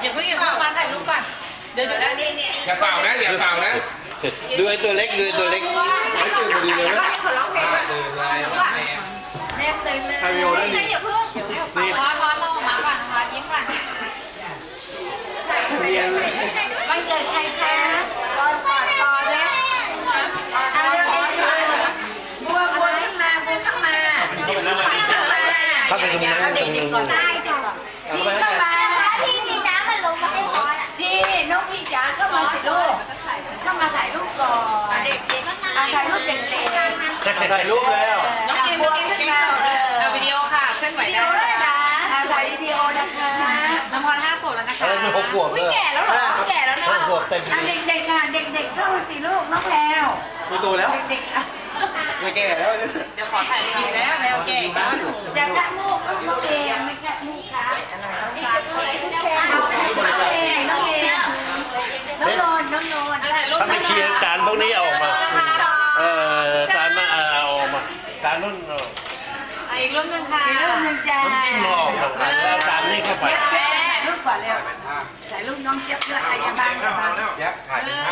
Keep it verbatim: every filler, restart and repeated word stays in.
อย่าเพิ่งอย่าเพิ่งมาถ่ายรูปก่อนเดี๋ยวเดี๋ยวนี่นี่อย่าเป่านะอย่าเป่านะดูไอ้ตัวเล็กดูตัวเล็กไม่ตื่นพอดีเลยนะตื่นเลยแม่ตื่นเลยไฮวิวนั่นนี่นี่อย่าเพิ่งนี่พอพอมองออกมาก่อนนะคะยิ้มก่อนเรียนเลยวันเกิดใครคะรอยปอดคอเนี่ยเอาเรื่องนี้เลยบัวบัวขึ้นมาบัวขึ้นมาเข้าไปตรงนั้นตรงนี้ก่อนได้ก่อนพี่เข้ามาพี่มีน้ำมันลงมาให้พอน่ะพี่น้องพี่จ๋าเข้ามาสิลูกเข้ามาถ่ายรูปก่อนเด็กเด็กถ่ายรูปเด็กเด็กถ่ายรูปแล้วน้องกินน้องกินขึ้นมาเอาวิดีโอค่ะเคลื่อนไหวได้เลยนะถ่ายวิดีโอนะคะน้ำพรห้าขวบแล้วนะคะอะไรเป็นหกขวบอุ้ยแก่แล้วเหรอแก่แล้วเนหอะกขวบเต็มเด็กๆค่ะเด็กๆเข้ามาสิลูกน้องแพลวมีตัวแล้วเด็กๆไม่แก่แล้วเนี่ยเดี๋ยวขอถ่ายรูปแล้วแมวเก่งอย่าแค่มูกน้องเองไม่แค่มูกค่ะนี่จะพูดอะไรน้องเองน้องเองน้องโนนน้องโนนถ้าไม่เคลียร์จานพวกนี้เอาออกมาเออจานมาเอาออกมาจานนู่นเอาอีกรูปหนึ่งค่ะอีกรูปหนึ่งจ้าน้ำจิ้มเราออกมาแล้วจานนี้เข้าไปถ่ายรูปก่อนเร็วถ่ายรูปน้องเจี๊ยบเพื่อใครจะบ้างยักษ์ถ่ายเป็นภ